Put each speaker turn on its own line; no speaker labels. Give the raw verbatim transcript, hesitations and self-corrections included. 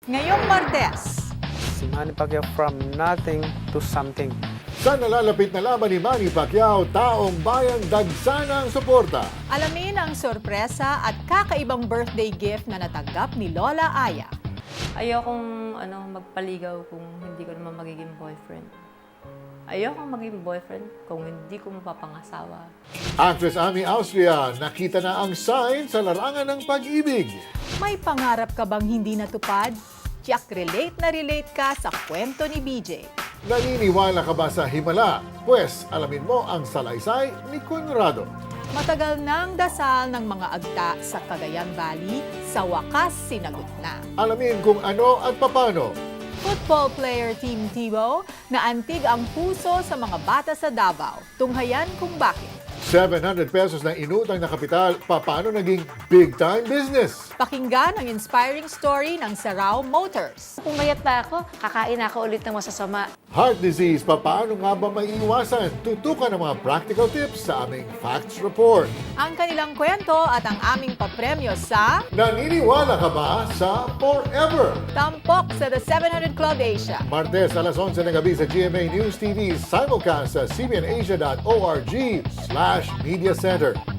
Ngayong Martes,
Si Manny Pacquiao from nothing to something.
Sa nalalapit na laban ni Manny Pacquiao, taong bayang dagsanang suporta.
alamin ang sorpresa at kakaibang birthday gift na natanggap ni Lola Aya.
Ayokong ano, magpaligaw kung hindi ko naman magiging boyfriend. Ayokong maging boyfriend kung hindi ko mapapangasawa.
Actress Ami Austria, nakita na ang sign sa larangan ng pag-ibig.
May pangarap ka bang hindi natupad? Tiyak relate na relate ka sa kwento ni B J.
Naniniwala ka ba sa himala? Pwes, alamin mo ang salaysay ni Conrado.
Matagal nang dasal ng mga agta sa Cagayan Valley, sa wakas sinagot na.
Alamin kung ano at papano.
Football player Team Tebow na antig ang puso sa mga bata sa Davao. Tunghayan kung bakit.
seven hundred pesos na inutang na kapital, paano naging big-time business?
Pakinggan ang inspiring story ng Sarao Motors.
Kung mayat pa ako, kakain ako ulit ng masasama.
Heart disease, paano nga ba maiiwasan? Tutukan ang mga practical tips sa aming Facts Report.
Ang kanilang kwento at ang aming papremyo sa
Naniniwala ka ba sa Forever?
Tampok sa The seven hundred Club Asia.
Martes alas onse ng gabi sa G M A News T V, simulcast sa cbnasia dot org slash media center.